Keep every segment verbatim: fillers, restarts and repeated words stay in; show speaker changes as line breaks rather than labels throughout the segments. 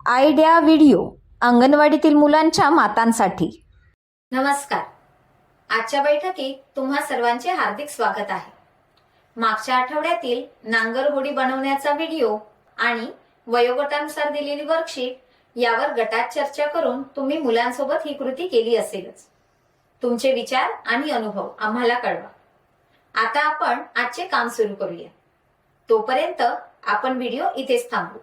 Idea video अंगणवाडीतील मुलांच्या मातांसाठी.
नमस्कार. आजच्या बैठकीत तुम्हा सर्वांचे हार्दिक स्वागत आहे. मागच्या आठवड्यातील नांगर होडी बनवण्याचा व्हिडिओ आणि वयोगटानुसार दिलेली वर्कशीट यावर गटात चर्चा करून तुम्ही मुलांसोबत ही कृती केली असेलच. तुमचे विचार आणि अनुभव आम्हाला कळवा. आता आपण आजचे काम सुरू करूया. तोपर्यंत आपण व्हिडिओ इथेच थांबवू.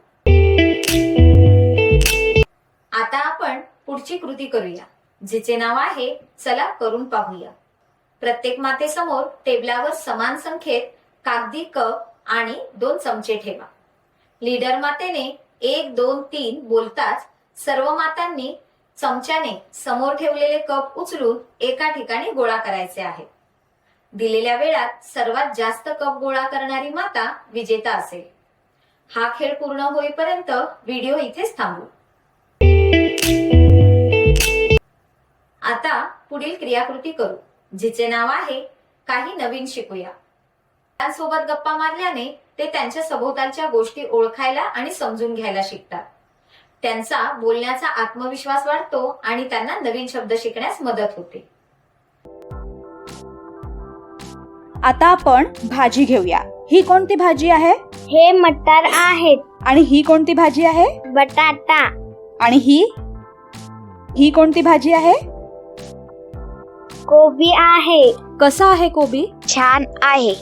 आता आपण पुढची कृती करूया, जिचे नाव आहे चला करून पाहूया. प्रत्येक मातेसमोर टेबलावर समान संख्येत कागदी कप आणि दोन चमचे ठेवा. लीडर मातेने एक दोन तीन बोलताच सर्व मातांनी चमच्याने समोर ठेवलेले कप उचलून एका ठिकाणी गोळा करायचे आहे. दिलेल्या वेळात सर्वात जास्त कप गोळा करणारी माता विजेता असेल. हा खेळ पूर्ण होईपर्यंत व्हिडिओ इथेच थांबवू. आता पुढील क्रियाकृती करू, जिचे नाव आहे काही नवीन शिकूया. त्यांसोबत गप्पा मारल्याने ते त्यांच्या सभोवतालच्या गोष्टी ओळखायला आणि समजून घ्यायला शिकतात. त्यांचा बोलण्याचा आत्मविश्वास वाढतो आणि त्यांना नवीन शब्द शिकण्यास मदत होते.
आता आपण भाजी घेऊया. ही कोणती भाजी आहे?
हे मटार आहेत.
आणि ही कोणती भाजी आहे?
बटाटा.
आणि ही ही कोणती भाजी आहे?
कोबी आहे.
कसा आहे कोबी?
छान आहे.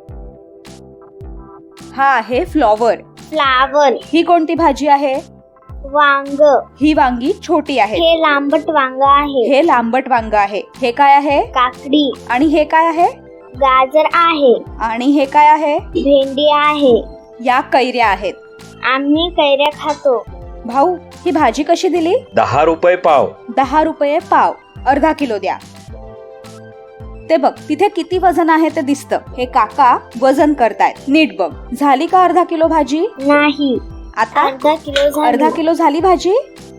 हा आहे फ्लॉवर.
फ्लावर.
ही कोणती भाजी आहे?
वांग.
ही वांगी छोटी आहे.
हे लांबट वांग आहे.
हे लांबट वांग आहे. हे काय आहे?
काकडी.
आणि हे काय आहे?
गाजर आहे.
आणि हे काय आहे?
भेंडी आहे.
या कैऱ्या आहेत.
आम्ही कैऱ्या खातो.
भाऊ, ही भाजी कशी दिली?
दहा रुपये पाव.
दहा रुपये पाव. अर्धा किलो द्या. ते बघ, तिथे किती वजन आहे ते दिसतं. हे काका वजन करतायत. नीट बघ. झाली का अर्धा किलो भाजी?
नाही.
आता
अर्धा किलो झाली.
अर्धा किलो झाली भाजी.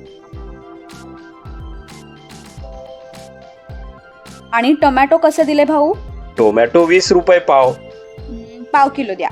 आणि टोमॅटो कसे दिले भाऊ?
टोमॅटो वीस रुपये पाव.
पाव किलो द्या.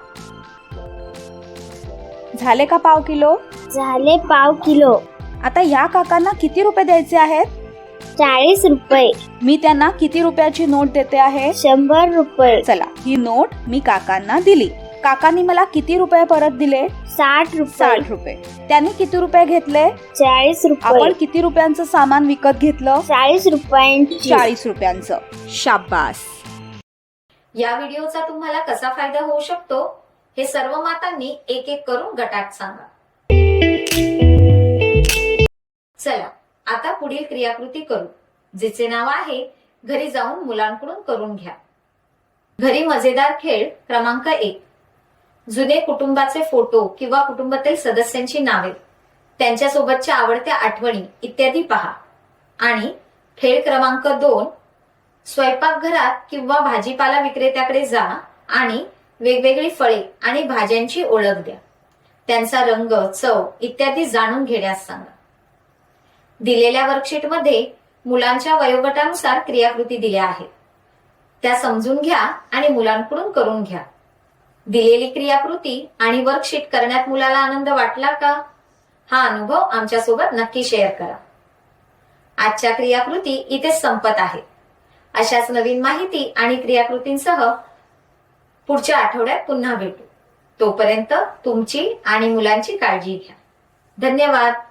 झाले का पाव किलो?
झाले पाव किलो.
आता या काकांना किती रुपये द्यायचे आहेत?
चाळीस रुपये.
मी त्यांना किती रुपयाची नोट देते आहे?
शंभर रुपये.
चला, ही नोट मी काकांना दिली. काकांनी मला किती रुपये परत दिले?
साठ रुपये.
साठ रुपये. त्यांनी किती रुपये घेतले?
चाळीस रुपये.
आपण किती रुपयांचं सामान विकत घेतलं?
चाळीस रुपयांची.
चाळीस रुपयांचं. शाबास.
या व्हिडिओचा तुम्हाला कसा फायदा होऊ शकतो हे सर्व मातांनी एक एक करून गटात सांगा. चला आता पुढील क्रियाकृती करू, जिचे नाव आहे घरी जाऊन मुलांकडून करून घ्या. घरी मजेदार खेळ क्रमांक एक. जुने कुटुंबाचे फोटो किंवा कुटुंबातील सदस्यांची नावे, त्यांच्यासोबतच्या आवडत्या आठवणी इत्यादी पहा. आणि खेळ क्रमांक दोन. स्वयंपाकघरात किंवा भाजीपाला विक्रेत्याकडे जा आणि वेगवेगळी फळे आणि भाज्यांची ओळख द्या. त्यांचा रंग, चव इत्यादी जाणून घेण्यास सांगा. दिलेल्या वर्कशीटमध्ये मुलांच्या वयोगटानुसार क्रियाकृती दिल्या आहेत. त्या समजून घ्या आणि मुलांकडून करून घ्या. दिलेली क्रियाकृती आणि वर्कशीट करण्यात मुलाला आनंद वाटला का? हा अनुभव आमच्यासोबत नक्की शेअर करा. आजच्या क्रियाकृती इथेच संपत आहेत. अशाच नवीन माहिती आणि क्रियाकृतींसह पुढच्या आठवड्यात पुन्हा भेटू. तोपर्यंत तुमची आणि मुलांची काळजी घ्या. धन्यवाद.